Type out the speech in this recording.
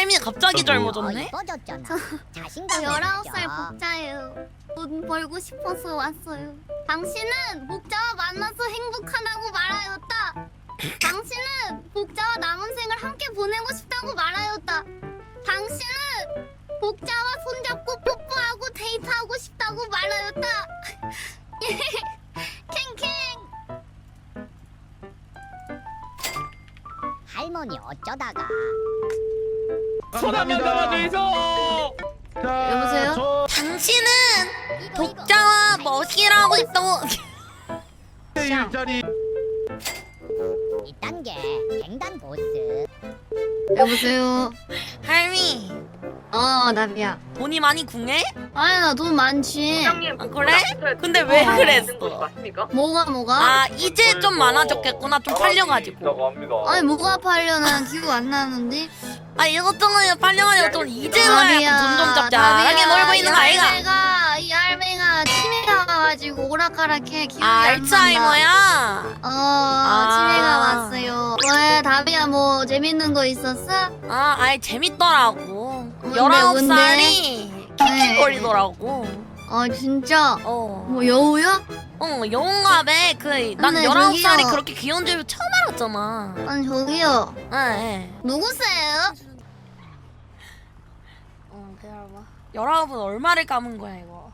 할미 갑자기 젊어졌네? 이뻐졌잖아. 저 자신감 19살 복자예요. 돈 벌고 싶어서 왔어요. 당신은 복자와 만나서 행복하다고 말하였다. 당신은 복자와 남은 생을 함께 보내고 싶다고 말하였다. 당신은 복자와 손잡고 뽀뽀하고 데이트하고 싶다고 말하였다. 캥캥. 할머니 어쩌다가 손한번 잡아주이소. 여보세요? 당신은 복자와 멋이라고 있다고. 일자리. 이딴 게 갱단 보스. 여보세요? 할미 나비야. 돈이 많이 궁해? 아니 나 돈 많지. 아 그래? 근데 왜 그랬어? 뭐가? 아 이제 좀 많아졌겠구나. 좀 팔려가지고. 아니 뭐가 팔려나 기억 안 나는데. 아 이것저것 팔려가지고 좀 이제 와야 돈 좀 짭짤하게 놀고 있는 거 아이가? 이 할매가 치매가 와가지고 오락가락해 기억이 아 안 난다. 알츠하이머야? 치매가 왔어요. 왜 다비야 뭐 재밌는 거 있었어? 아 아이 재밌더라고. 뭔데, 19살이 킥킥거리더라고. 진짜? 어. 뭐 여우야? 영웅갑에 난 근데 19살이 저기요. 그렇게 귀여운 줄 처음 알았잖아. 아니 저기요. 네. 누구세요? 기다려봐. 19은 얼마를 감은 거야 이거?